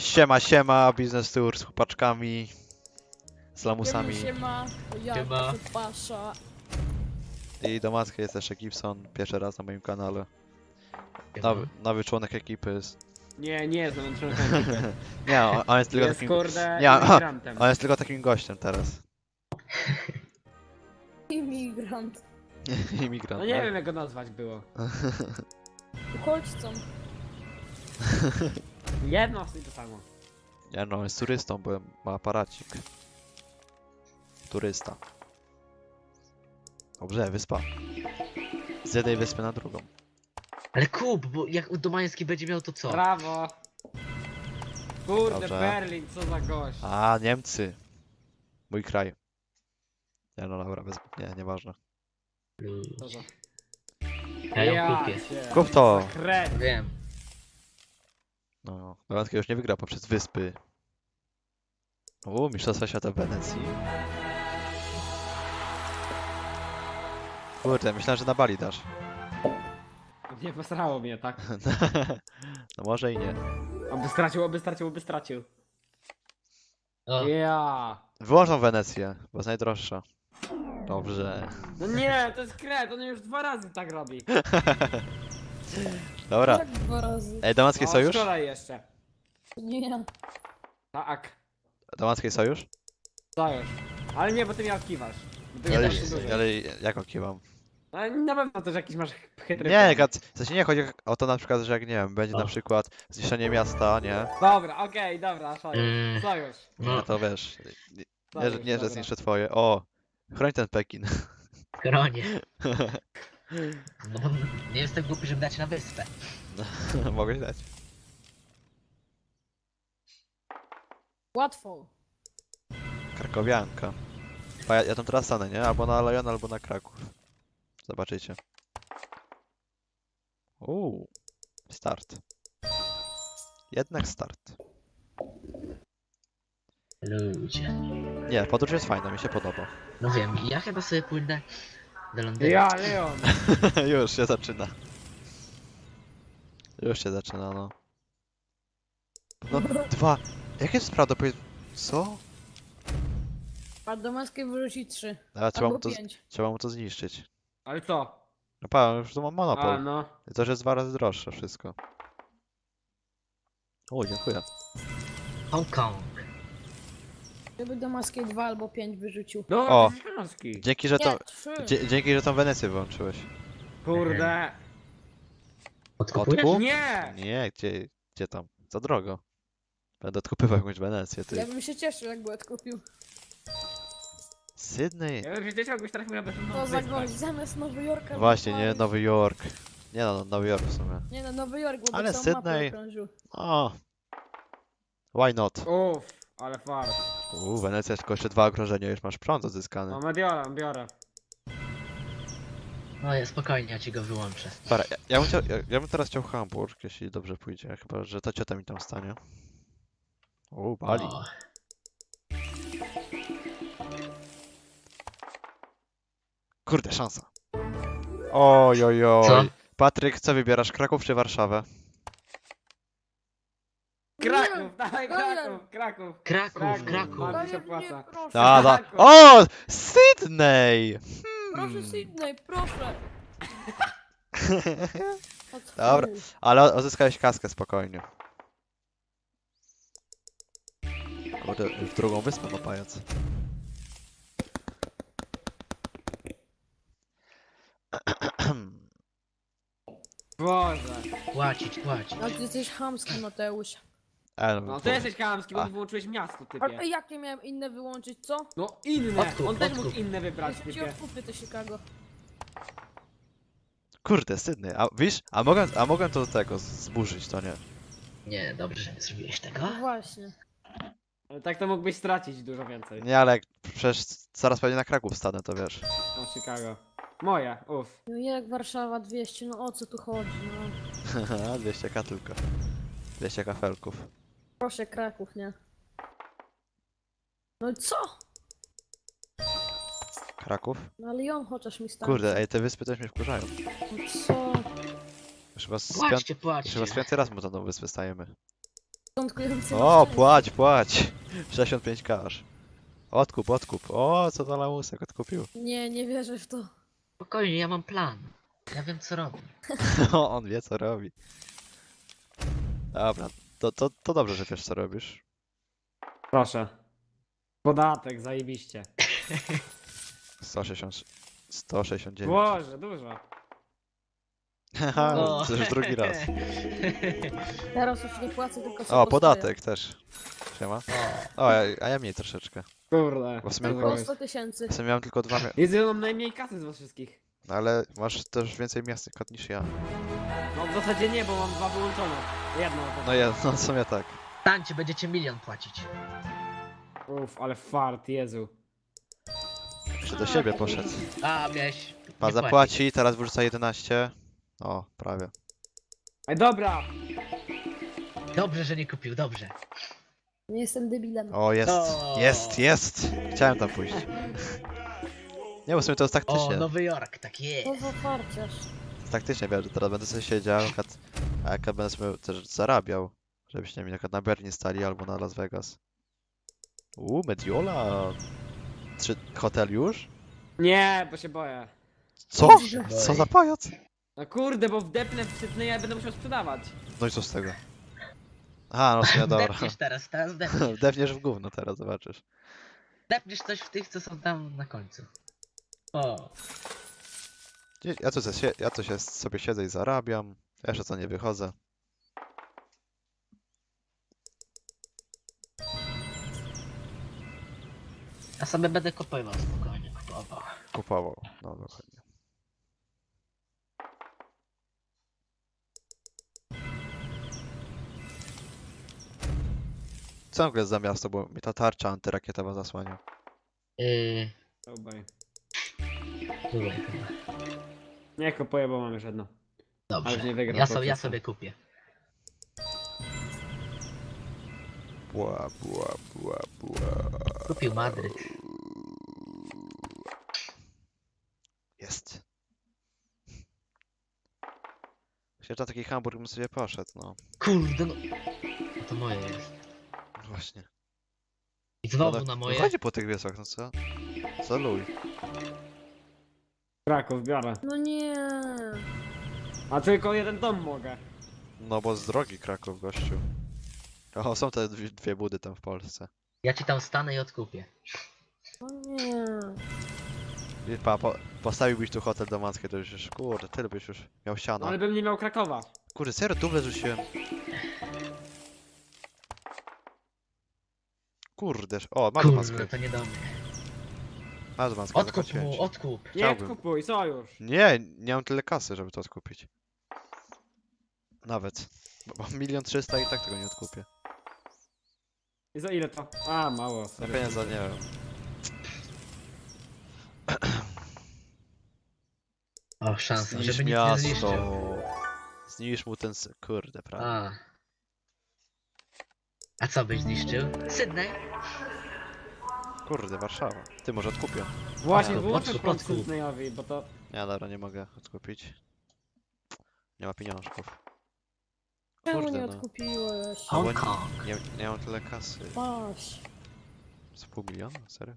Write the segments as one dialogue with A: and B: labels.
A: Siema, siema, biznes tour z chłopaczkami, z lamusami
B: Siema, ja
C: Siema.
B: tu Pasza.
A: i do matki jest jeszcze Gibson, pierwszy raz na moim kanale.
C: Siema.
A: Nowy członek ekipy jest.
D: Nie jest on członkiem ekipy.
A: Nie, on jest tylko
D: Jest
A: takim.
D: kurde
A: Nie,
D: imigrantem.
A: On jest tylko takim gościem teraz.
B: Imigrant.
A: Imigrant.
D: No nie wiem jak go nazwać było.
B: Uchodźcą.
D: Jedno i to samo.
A: Nie no, on jest turystą, bo ma aparacik. Turysta. Dobrze, wyspa. Z jednej wyspy na drugą.
C: Ale kup, bo jak Domański będzie miał to co?
D: Brawo. Kurde,
A: Dobrze.
D: Berlin, co za gość.
A: A, Niemcy. Mój kraj. Nie no, dobra, nieważne.
D: Co za...
C: Ja ją kupię.
D: cię.
A: Kup to!
D: Kret.
C: Wiem.
A: No, Dolatki już nie wygra poprzez wyspy. Mistrzostwa świata w Wenecji. Kurde, myślałem, że na Bali dasz.
D: Nie posrało mnie, tak?
A: No może i nie.
D: Oby stracił.
C: O,
D: Ja.
A: Wyłączą Wenecję, bo jest najdroższa. Dobrze.
D: No nie, to jest kret, on już 2 razy tak robi.
A: Dobra.
B: Jak 2 razy.
A: Ej, Damacki
D: No,
A: sojusz?
D: wczoraj jeszcze.
B: Nie.
D: Tak.
A: Damacki sojusz?
D: To już. Ale nie, bo ty mnie odkiwasz. Bo ty mnie
A: Ale,
D: tak dużo.
A: ale jak okiwam?
D: Ale na pewno też jakiś masz chytry
A: Nie,
D: plan.
A: w sensie nie chodzi o to na przykład, że jak nie wiem, będzie na
C: O.
A: przykład zniszczenie miasta, nie?
D: Dobra, okej, dobra, sojusz. Sojusz.
A: No
C: no,
A: to wiesz,
D: Sojusz,
A: nie że
D: dobra.
A: zniszczę twoje. O! Chroń ten Pekin.
C: kronie. No bo nie jestem głupi, żeby dać na wyspę.
A: Mogłeś dać.
B: Łatwo.
A: Krakowianka. Ja tam teraz stanę, nie? Albo na Lyon, albo na Kraków. Zobaczycie. Start. Jednak start.
C: Ludzie.
A: Nie, podróż jest fajna, mi się podoba.
C: No wiem, ja chyba sobie pójdę do Londynu.
D: Ja, Leon.
A: Już się zaczyna. Już się zaczyna, no. No, 2. Jakie jest prawdopodobieństwo? Co?
B: A Domańskiej wyrzuci 3.
A: Ale trzeba mu
B: Albo
A: to,
B: 5.
A: trzeba mu to zniszczyć.
D: Ale co?
A: No pa, już tu mam
D: A
A: monopol.
D: no.
A: I to, że jest 2 razy droższe wszystko. O, dziękuję.
C: Hongkong.
B: Gdyby Domańskiej 2 albo 5 wyrzucił.
D: No,
A: O.
D: to jest książki.
A: Dzięki, że
B: Nie,
A: tą,
B: 3.
A: dzięki, że tą Wenecję wyłączyłeś.
D: Kurde.
C: Odkupujesz?
A: Odkup?
D: Nie!
A: Nie, gdzie tam? Za drogo. Będę odkupywał jakąś Wenecję,
B: Ja
A: ty.
B: bym się cieszył, jakby odkupił.
A: Sydney.
D: Ja bym się cieszył, jakbyś trafił na bezludną
B: To za
D: wyspę.
B: gość, zamiast Nowy Jorka.
A: Właśnie,
B: był
A: nie,
B: Paryż.
A: Nowy Jork. Nie no, Nowy Jork w sumie.
B: Nie no, Nowy Jork, bo
A: Ale
B: całą
A: Sydney-
B: mapę okrążył.
A: O. Why not?
D: Uff, ale fart.
A: Wenecja tylko jeszcze 2 okrążenia, już masz prąd odzyskany.
D: No, biorę.
C: No ja spokojnie, ja ci go wyłączę.
A: Dobra, ja bym teraz chciał Hamburg, jeśli dobrze pójdzie, chyba że ta ciota mi tam stanie. Bali.
C: O,
A: Kurde, szansa. Oj, oj,
C: Co?
A: oj. Patryk, co wybierasz, Kraków czy Warszawę?
D: Kraków, dawaj
B: Daniel.
D: Kraków.
C: Kraków.
D: Bardzo
B: Daniel,
D: się
B: nie,
D: opłaca.
B: proszę.
A: Da.
D: Kraków.
A: O! Sydney!
B: Proszę Sydney, proszę. O co
A: Dobra.
B: chodzi?
A: Ale odzyskałeś kaskę spokojnie. Kurde, w drugą wyspę ma pajac.
D: Boże.
C: Płacić.
B: No ty jesteś chamski, Mateusz.
D: No ty jesteś kamski, bo
A: A.
D: mi wyłączyłeś miasto,
B: A
D: typie.
B: jakie miałem inne wyłączyć, co?
D: No inne,
C: Odkup,
D: on też mógł
C: odkup.
D: inne wybrać,
B: Jeśli ci
D: typie.
B: odkupię to Chicago.
A: Kurde, Sydney. A wiesz, a mogłem to do tego zburzyć, to nie.
C: Nie, dobrze, że nie zrobiłeś tego.
B: No właśnie.
D: Ale tak to mógłbyś stracić dużo więcej.
A: Nie, ale jak przecież zaraz pewnie na Kraków stanę, to wiesz.
D: No Chicago. Moje, uff.
B: No jak Warszawa 200, no o co tu chodzi, no.
A: 200k tylko. 200 kafelków.
B: Proszę Kraków, nie? No i co?
A: Kraków?
B: No Lyon chociaż mi stanie.
A: Kurde, ej, te wyspy też mnie wkurzają.
B: No co?
A: Już chyba z
C: Płaćcie.
A: piąty raz mu na tą wyspę stajemy.
B: Początkujący
A: O,
B: masz
A: płać, płać. 65k aż. Odkup, odkup. O, co za lamusek odkupił.
B: Nie, nie wierzę w to.
C: Spokojnie, ja mam plan. Ja wiem co robię.
A: On wie co robi. Dobra, to dobrze, że wiesz co robisz.
D: Proszę. Podatek, zajebiście.
A: 169.
D: Boże, dużo.
A: Haha,
C: O.
A: to już drugi raz.
B: Teraz już nie płacę, tylko sobie
A: O, podatek też. Siema.
C: O,
A: O, a ja mniej troszeczkę.
D: Kurde.
A: Bo w sumie
D: co
B: Tylko
A: Tylko-
D: zrobić?
B: 100 tysięcy.
A: W sumie miałem tylko dwa,
D: Jezu, ja mam najmniej kasy z was wszystkich.
A: ale masz też więcej miast kod niż ja.
D: No w zasadzie nie, bo mam dwa wyłączone. Jedno.
A: No ja, no w sumie tak.
C: tańcie, będziecie 1 000 000 płacić.
D: Uff, ale fart, Jezu.
A: Jeszcze do siebie poszedł.
C: A, miałeś...
A: Pa
C: nie
A: zapłaci, teraz wyrzuca 11. O, prawie.
D: Ej, dobra!
C: Dobrze, że nie kupił, dobrze.
B: Nie jestem debilem.
A: O, jest,
C: O.
A: jest! Chciałem tam pójść. Nie, bo w sumie to jest
C: O,
A: taktycznie.
C: Nowy Jork, tak jest.
B: To za farciarz.
A: Taktycznie wiem, że teraz będę sobie siedział, a jak będę sobie też zarabiał, żebyście mi na Berlin stali albo na Las Vegas. Mediola! Hotel już?
D: Nie, bo się boję.
A: Co?
B: Boże.
A: Co za pajac?
D: No kurde, bo wdepnę w Sydney, ja będę musiał sprzedawać.
A: No i co z tego? Aha, no w sumie dobra.
C: Depniesz teraz depniesz.
A: Depniesz w gówno teraz, zobaczysz.
C: Depniesz coś w tych, co są tam na końcu. O,
A: Ja tu się sobie siedzę i zarabiam. Jeszcze co nie wychodzę.
C: ja sobie będę kupował spokojnie, kupował.
A: Kupował. No dokładnie. Co w ogóle jest za miasto, bo mi ta tarcza antyrakietowa zasłania.
D: Obaj.
C: Tutaj chyba.
D: Nie kupuję, bo mam już jedno. Ale
C: Dobrze,
D: już nie wygram.
C: ja
D: procesu.
C: sobie kupię.
A: Bła, bła, bła, bła.
C: Kupił Madryt.
A: Jest. Jeszcze na taki Hamburg bym sobie poszedł, no.
C: Kurde no. No to moje jest.
A: Właśnie.
C: I znowu
A: No,
C: na moje.
A: Chodzi po tych wiosach, no co? Co luj.
D: Kraków biorę.
B: No nie.
D: A tylko jeden dom mogę.
A: No bo z drogi Kraków, gościu. O, są te dwie budy tam w Polsce.
C: Ja ci tam stanę i odkupię.
B: No nie.
A: I postawiłbyś tu hotel do Mackiej, to już, kurde, tyle byś już miał
D: No
A: siano.
D: ale bym nie miał Krakowa.
A: Kurde, serio, duble rzuciłem. Kurde, o, masz
C: Kurde,
A: maskę.
C: to nie do mnie.
A: Masz maskę,
C: Odkup
A: zapłaciłem
C: mu,
A: ci.
C: odkup.
D: Nie
A: Chciałbym.
D: kupuj, sojusz.
A: Nie mam tyle kasy, żeby to odkupić. Nawet. Bo mam 1 300 000 i tak tego nie odkupię.
D: I za ile to? A, mało.
A: Na
D: sorry.
A: pieniądze nie wiem.
C: O, szansa,
A: Zniszcz
C: żeby nic nie
A: miasto.
C: zniszczył.
A: Zniszcz mu ten... Kurde, prawda.
C: A co byś zniszczył? Sydney?
A: Kurde, Warszawa. Ty, może odkupię.
D: Właśnie,
C: Odkup,
D: wyłączę
C: odkup,
D: prąd
C: odkup.
D: Sydneyowi, bo to...
A: Nie, dobra, nie mogę odkupić. Nie ma pieniążków.
B: Czemu
A: Kurde,
B: nie
A: no.
B: odkupiłeś?
A: Bo
C: Hong Kong.
A: nie mam tyle kasy.
B: Masz.
A: Z pół miliona? Serio?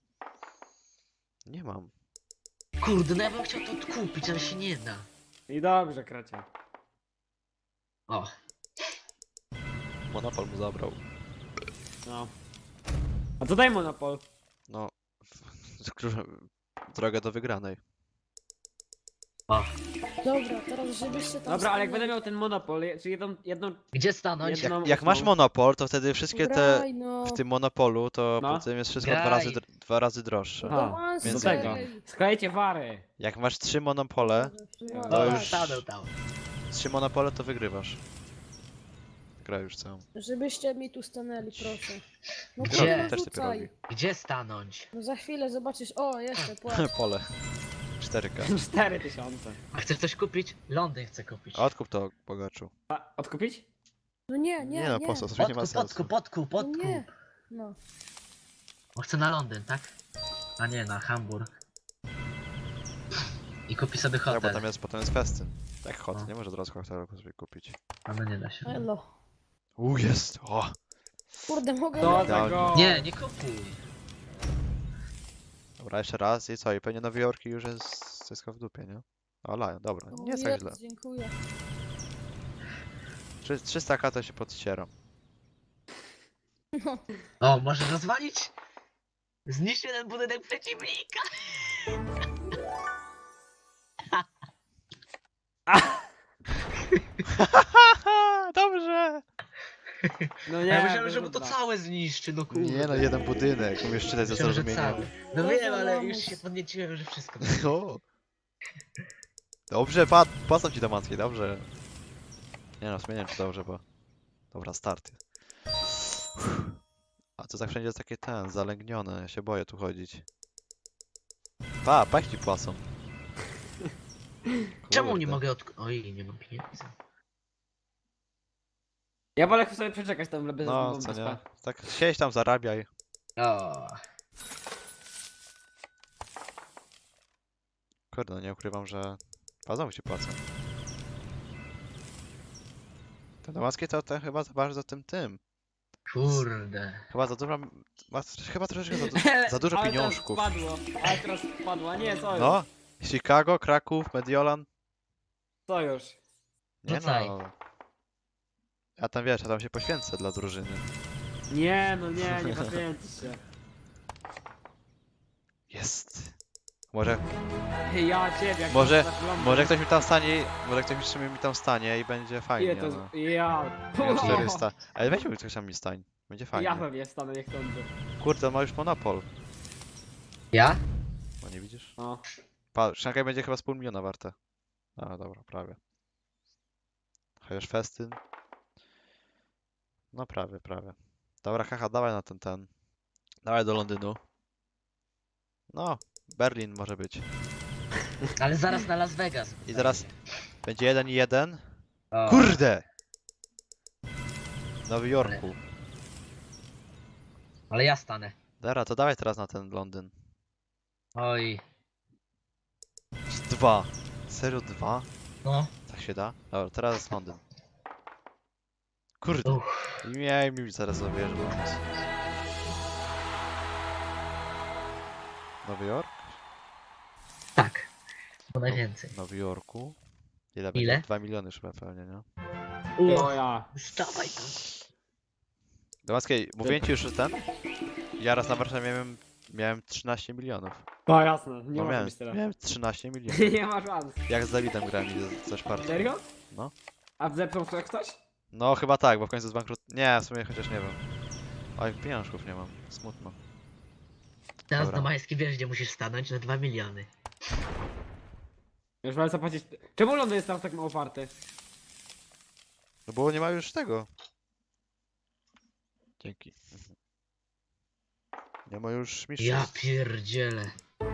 A: Nie mam.
C: Kurde, no ja bym chciał to odkupić, ale się nie da.
D: I dobrze, kracie.
C: O,
A: Monopol mu zabrał.
D: No. A co daj monopol?
A: No... Drogę do wygranej.
C: o.
B: Dobra, teraz żebyście tam
D: Dobra, ale jak
B: stanęli.
D: będę miał ten monopol, czy jedną...
C: Gdzie stanąć?
D: Jedno-
A: Jak masz monopol, to wtedy wszystkie te...
B: Graj, no.
A: W tym monopolu to
D: No.
A: potem jest wszystko
C: Graj.
A: dwa razy droższe.
D: Aha,
B: Do Maskiej.
A: więc
D: do tego. Sklejcie wary.
A: Jak masz 3 monopole,
B: No,
A: to
C: O,
A: już-
C: stanął tam.
A: 3 monopole to wygrywasz. Gra już całą.
B: Żebyście mi tu stanęli, proszę. No
C: Gdzie?
B: kurwa,
A: Też ty
B: rzucaj.
A: robi.
C: Gdzie stanąć?
B: No za chwilę zobaczysz. O, jeszcze płacz.
A: Pole. 4K.
D: 4000.
C: A chcesz coś kupić? Londyn chcę kupić.
A: A odkup to, bogaczu.
D: A, odkupić?
B: No nie, nie,
A: Nie no,
B: nie.
A: po co? To nie ma
C: Odkup,
A: sensu.
C: odkup.
B: No nie. No.
C: On chce na Londyn, tak? A nie, na Hamburg. I kupi sobie
A: Ja, bo
C: hotel.
A: potem jest festyn. Jak hot,
C: No.
A: nie może od razu hotelu sobie kupić.
C: A no nie da się.
B: Elo.
A: Jest! O!
B: Kurde, mogę...
D: To za
A: Idealnie.
D: go.
C: Nie, nie kupuj.
A: Dobra, jeszcze raz i co? I pewnie Nowy Jork już jest wszystko w dupie, nie? O, Lion, dobra,
B: O,
A: nie jest tak
B: jest,
A: źle.
B: dziękuję.
A: 300k to się podcieram.
C: O, możesz rozwalić? Zniszcz jeden budynek przeciwnika.
A: Dobrze!
D: No
C: Ja
D: nie,
C: myślałem, że mu to
D: dwa.
C: całe zniszczy, no kurde.
A: Nie no, jeden budynek, umiesz czytać ze
C: Myślałem, że
A: zrozumieniem.
C: całe. No
B: Boże,
C: wiem, ale już
B: lamus.
C: się podnieciłem, że wszystko.
A: O. Dobrze, płacą ci Damacki, dobrze. Nie no, w sumie nie wiem czy dobrze, bo... Dobra, start. A to tak wszędzie jest takie zalęgnione, ja się boję tu chodzić. Pech ci płacą.
C: Czemu nie
A: Kurde.
C: mogę Oj, nie mam pieniędzy.
D: Ja wolę sobie przeczekać tam bez
A: No,
D: bez
A: co nie?
D: pa-
A: Tak siedź tam, zarabiaj.
C: O,
A: Kurde, no nie ukrywam, że... Znowu ci płacą. Te Damackie to chyba za bardzo tym.
C: kurde.
A: Chyba za dużo... Chyba troszeczkę za dużo
D: Ale
A: pieniążków.
D: Teraz wpadło, ale teraz wpadło, a nie, co już?
A: No, Chicago, Kraków, Mediolan.
D: Co już?
A: Nie
C: Rzucaj.
A: no. Ja tam wiesz, ja tam się poświęcę dla drużyny.
D: Nie, no nie, nie poświęcisz się.
A: Jest. Może,
D: Ja ciebie, jak
A: Może-
D: to zaglądam.
A: może ktoś mi tam stanie, może ktoś mi tam stanie i będzie fajnie,
D: Ile to
A: no.
D: jest? Ja.
A: Miałem 400. Ale weźmy ktoś tam mi stań. Będzie
D: Ja
A: fajnie.
D: pewnie stanę niechcący.
A: Kurde, on ma już monopol.
C: Ja?
A: No nie widzisz?
D: No.
A: Szanghaj będzie chyba z pół miliona warte. A, dobra, prawie. Chociaż festyn. No prawie. Dobra, haha, dawaj na ten. Dawaj do Londynu. No, Berlin może być.
C: Ale zaraz na Las Vegas.
A: I zaraz będzie 1-1.
C: O,
A: Kurde! W Nowym Jorku.
C: Ale ja stanę.
A: Dobra, to dawaj teraz na ten Londyn.
C: Oj.
A: 2. Serio 2?
C: No.
A: Tak się da? Dobra, teraz jest Londyn. Kurde.
C: Uff.
A: I miałem mi zaraz zawierzę. Nowy Jork?
C: Tak. Bo najwięcej.
A: W Nowym Jorku. Ile
C: Ile?
A: będzie? 2 miliony już pewnie, nie?
D: No ja.
C: Stawaj tam.
A: Domackiej, mówiłem ci już, że ten? Ja raz na Warszawie miałem 13 milionów.
D: No jasne, nie
A: No
D: może
A: miałem,
D: być tyle.
A: miałem 13 milionów.
D: Nie ma szans.
A: Jak z Dawidem grałem i ze Szpartą.
D: Serio?
A: No.
D: A zepsuł to ktoś?
A: No chyba tak, bo w końcu zbankrut... Nie, w sumie chociaż nie wiem. Oj, pieniążków nie mam. Smutno.
C: Teraz
A: Dobra.
C: do Majski wiesz, gdzie musisz stanąć na 2 miliony.
D: Już wolę zapłacić. Czemu Londyn jest tam tak mało warty?
A: No bo nie ma już tego. Dzięki. Nie ma już
C: Ja
A: mistrzostw.
C: pierdzielę.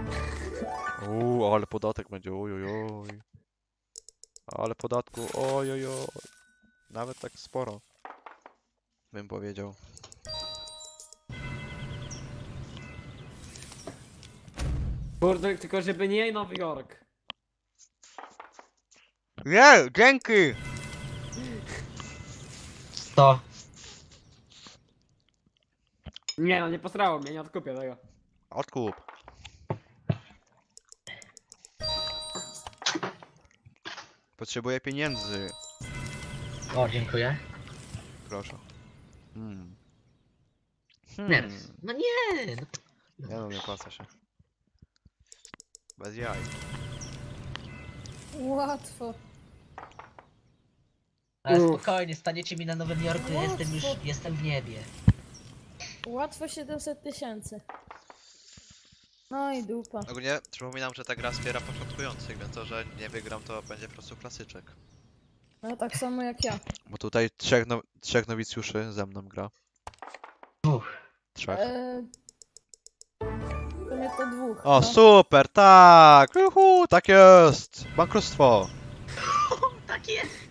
A: Ale podatek będzie, oj. Ale podatku, oj. Nawet tak sporo. Bym powiedział.
D: Kurde, tylko żeby nie Nowy Jork.
A: Nie, dzięki!
C: To.
D: Nie no, nie posrało mnie, nie odkupię tego.
A: Odkup. Potrzebuję pieniędzy.
C: O, dziękuję.
A: Proszę. Hmm.
C: Nerw. No nie. No.
A: Nie no, nie opłaca się. Bez jaj.
B: Łatwo.
C: Ale
D: Uff.
C: spokojnie, staniecie mi na Nowym Jorku, ja jestem już,
B: Łatwo.
C: jestem w niebie.
B: Łatwo 700 000. No i dupa.
A: Ogólnie przypominam, że ta gra wspiera początkujących, więc to, że nie wygram, to będzie po prostu klasyczek.
B: No tak samo jak ja.
A: Bo tutaj trzech nowicjuszy ze mną gra.
C: Uff.
A: 3.
B: W sumie to 2.
A: O,
B: no.
A: super, tak! Juhu, tak jest! Bankructwo!
C: Tak jest.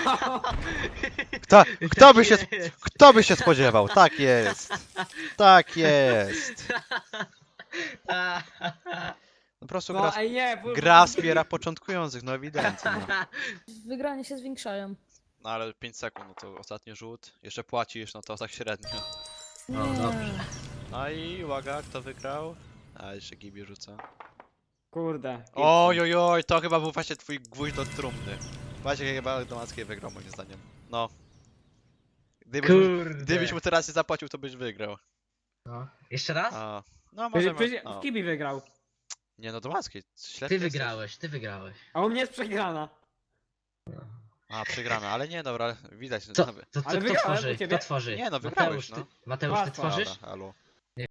A: Kto by się spodziewał? Tak jest! Tak jest! No po prostu
D: No ej nie,
A: gra wspiera początkujących, no ewidentnie. No.
B: Wygranie się zwiększają.
A: No ale 5 sekund, no to ostatni rzut. Jeszcze płacisz, no to tak średnio.
C: No,
B: Nie.
C: dobrze.
A: No i uwaga, kto wygrał? A, jeszcze Gibi rzuca.
D: Kurde.
A: Oj, oj, oj, to chyba był właśnie twój gwóźdź do trumny. Właśnie chyba Domackiej wygrał moim zdaniem. No.
C: Kurde.
A: Gdybyś mu teraz nie zapłacił, to byś wygrał.
C: No. Jeszcze raz?
A: A, no
D: Przecież
A: możemy... No.
D: w Kibi wygrał.
A: Nie no, Domackiej, ślepy
C: Ty
A: jesteś.
C: wygrałeś, ty wygrałeś.
D: A u mnie jest przegrana.
A: A, przegrana, ale nie, dobra, widać.
C: Co?
A: nawet-
C: To
D: Ale
C: kto
D: wygrałem u
C: tworzy?
D: ciebie.
C: Kto tworzy?
A: Nie, no wygrałeś,
C: Mateusz,
A: no.
C: ty, Mateusz, ty
D: Łatwo.
C: tworzysz?
A: Dobra, halo.